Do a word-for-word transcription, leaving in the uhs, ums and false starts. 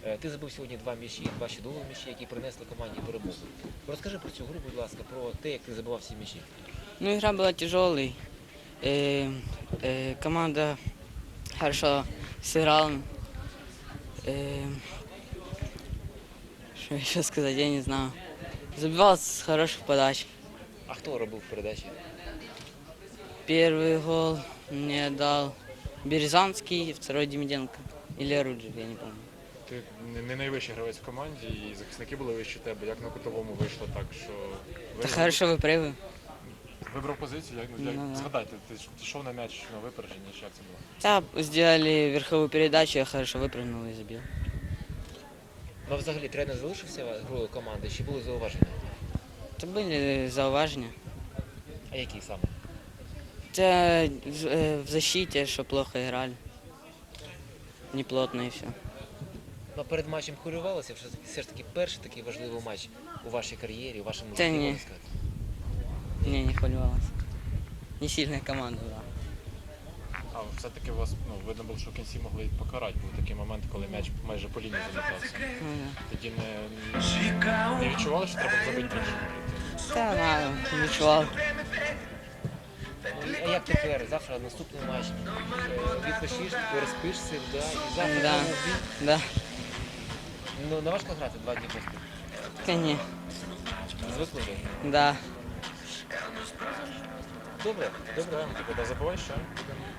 Е, Ти забив сьогодні два м'ячі, два чудові м'ячі, які принесли команді перемогу. Розкажи про цю гру, будь ласка, про те, як ти забивав всі м'ячі. Ну, игра была тяжелой. Э, э, команда хорошо сыграла. Э, что еще сказать, я не знаю. Забивал с хороших подач. А хто робив передачі? Первый гол мне дал Березанский, второй Демиденко. Или Руджик, я не помню. Ти не- не найвищий гравець в команді, і захисники були вище тебе. Як на кутовому вийшло так, що Да ви хорошо выпрыгиваю. вибрав позицію, як, як Ну, да. згадайте, ти ж йшов на м'яч на випередження, чи як це було? Да, сделали верховую передачу, я хорошо выпрыгнул и забил. Ну, а взагалі тренер залишився грою команди, чи були зауваження? Это были зауважения. А які саме? Да, в, э, в защите, что плохо играли. Неплотно и все. Ну, перед матчем хвилювалися, все, все ж таки перший такий важливий матч у вашій кар'єрі, у вашому Та житті, ні. можна сказати. Не, не хвилювалась. Не сильная команда была. А все-таки вас ну, видно було, що в кінці могли покарати. Був такий момент, коли м'яч майже по лінії залітався. Ну, Тоді не, не відчували, що треба забити більше. да. Да, да, відчував. Ну, а як тепер? Завтра наступний матч. Е, Відпочиш, переспишся, да, і завтра Да. знову в бій. Да, Ну, не важко грати два дні поспіль. конечно. Звикли вже? Да. Добре, добре. Тоді забувай, що